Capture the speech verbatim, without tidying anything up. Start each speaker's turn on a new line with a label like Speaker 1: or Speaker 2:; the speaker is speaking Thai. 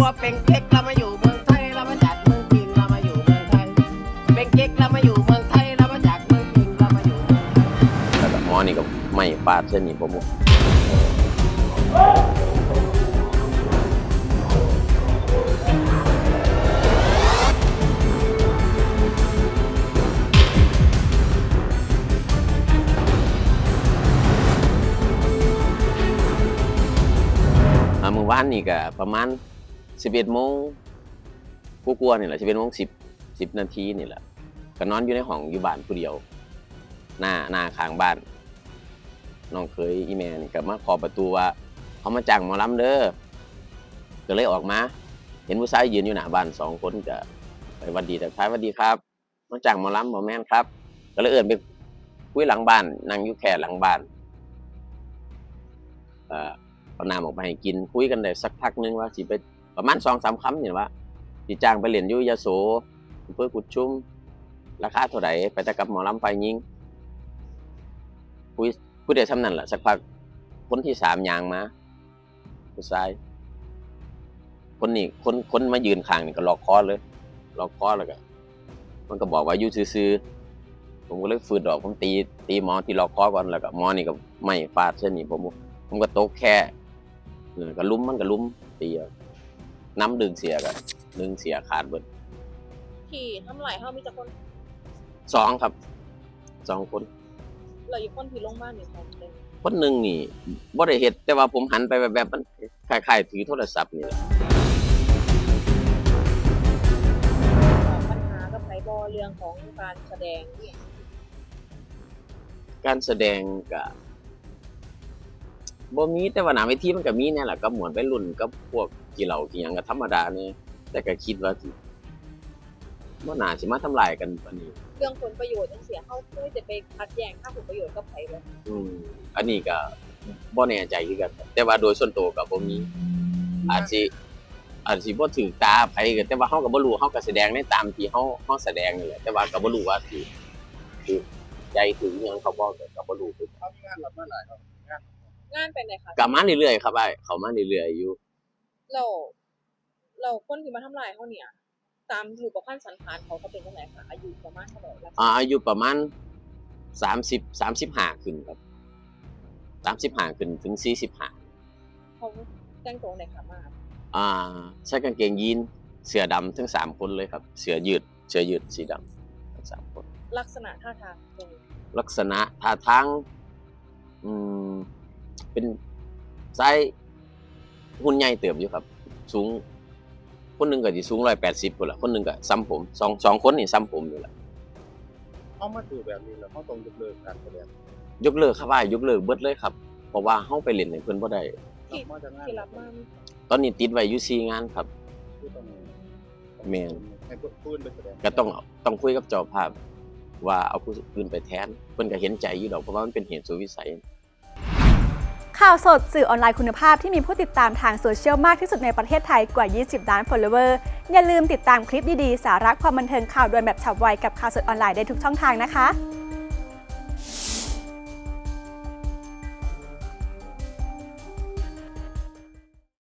Speaker 1: ว่าเป็นเก๊กเรามาอยู่เมืองไทยเรามาจากเมืองจีนเรามาอยู่เมืองไทยเป็นเก๊กเรามาอยู่เมืองไทยเรามาจากเมืองจีนเรามาอยู่เมืองไทยแล้วก็หมอนี่ก็ไม่ฟาดเส้นนี้ผมเมื่อวานนี่ก็ประมาณสิบเอ็ดโมงกูกลัวนี่แหละสิบเอ็ดโมงสิบสิบนาทีนี่แหละก็นอนอยู่ในห้องอยู่บ้านผู้เดียวหน้าหน้าข้างบ้านน้องเคยอีแม่นี่ก็มาขอประตูว่าเขามาจ้างหมอลำเด้อก็เลยออกมาเห็นผู้ชายยืนอยู่หน้าบ้านสองคนก็ไปวันดีแต่ท้ายวันดีครับมาจ้างหมอลำหมอแม่นครับก็เลยเอื่นไปคุยหลังบ้านนั่งอยู่แค่หลังบ้านเอ่อเอาน้ำออกไปให้กินคุยกันได้สักพักนึงว่าสิไปประมาณสองสามคำเนี่ยว่าสิจ้างไปเรียนอยู่ยโสเพื่อกุดชุ่มราคาเท่าไหร่ไปแต่กับหมอลำไฟยิงคุยคุยได้ซ้ำนั่นแหละสักพักคนที่สามยางมาผู้ชายคนนี้คนคนมายืนข้างนี่ก็ล็อกคอเลยล็อกคอแล้วก็มันก็บอกว่าอยู่ซื่อๆผมก็เลยฝืนดอกผมตีตีหมอที่ล็อกคอก่อนแล้วก็หมอนี่ก็ไม่ฟาดเส้นนี้ผมผมก็โต๊ะแค่ก็ลุ้มมันก็ลุ้มตีน้ำดึงเสียกันดึงเสียขาดเบิด
Speaker 2: ที่ทำไหลเขามีจักคน
Speaker 1: สองครับสองคน
Speaker 2: เราอยู่คนที่ลงบ้านนี่คนหนึ่ง
Speaker 1: คนหนึ่งนี่บ่ได้เฮ็ดแต่ว่าผมหันไปแบบแบบมันคล้ายๆถือโทรศัพท์นี่แหละ
Speaker 2: ปัญหากับไผบ่เรื่องของการแสดงนี่
Speaker 1: การแสดงก็บ่มีแต่ว่าหน้าเวทีมันก็มีแน่แหละก็เหมือนไปรุ่นกับพวกกี่เหล่ากี่หยังก็ธรรมดานี่แต่ก็คิดว่าสิบ่น่าสิมาทำลายกันปานนี้
Speaker 2: เรื่องผลประโยชน์จังซี่เฮาเคยจะไปขัดแย้งค่าผลประโยชน์กับไผบ่
Speaker 1: อืมอันนี้ก็บ่แน่ใจคือกันแต่ว่าโดยส่วนตัวก็บ่มีอาจสิอาจสิบ่ถึงตาไผก็แต่ว่าเฮาก็บ่รู้เฮาก็แสดงในตามที่เฮาเฮาแสดงนี่แหละแต่ว่าก็บ่รู้ว่าสิสิใจถึงหยังเขาบ่ก็บ่รู้คือ
Speaker 3: เขามีงานรับมาหลายครับงาน
Speaker 2: งานเป็นไดคะ
Speaker 1: ก็มาเรื่อยๆครับอ้ายเขามาเรื่อยๆอยู่
Speaker 2: แล้วแล้วคนที่มาทำลายเฮาเนี่ยตามรูปพรรณสันฐานเขาเขาเป็นจังได๋คะอายุประมาณเท่าใดล่ะ
Speaker 1: อ่าอายุประมาณสามสิบ สามสิบห้าขึ้นครับสามสิบห้าขึ้นถึงสี่สิบห้า
Speaker 2: เขาแต่งตัวไดคะมา
Speaker 1: อ่าใส่กางเกงยีนเสื้อดำทั้งสามคนเลยครับเสื้อยืดเสื้อยืดสีดำทั้งสามคน
Speaker 2: ลักษณะท่าทางเป็น
Speaker 1: ลักษณะท่าทางอืมเป็นไซส์หุ่นใหญ่เติบอยู่ครับสูงคนหนึ่งก็สิสูงหนึ่งร้อยแปดสิบพุ่นล่ะคนหนึ่งก็ซ้ำผมสองสองคนนี่ซ้ำผมนี่แหละ
Speaker 3: เขามาถือแบบนี้แล้วเขาต้องยกเลิกการแสดง
Speaker 1: ยกเลิกครับว่ายกเลิกเบิดเลยครับเพราะว่าเฮาไปเล่นให้เพิ่นบ่ได้
Speaker 2: ที่ที่รับมา
Speaker 1: ตอนนี้ติดไว้อยู่สี่งานครับแม่น
Speaker 3: ให้ผู้อื่นไปแสดง
Speaker 1: ก็ต้องต้องคุยกับเจ้าภาพว่าเอาผู้อื่นไปแทนเพิ่นก็เห็นใจอยู่ดอกเพราะว่ามันเป็นเหตุสุดวิสัย
Speaker 4: ข่าวสดสื่อออนไลน์คุณภาพที่มีผู้ติดตามทางโซเชียลมากที่สุดในประเทศไทยกว่ายี่สิบล้าน follower อย่าลืมติดตามคลิปดีๆสาระความบันเทิงข่าวด่วนแบบฉับไวกับข่าวสดออนไลน์ได้ทุกช่องทางนะคะ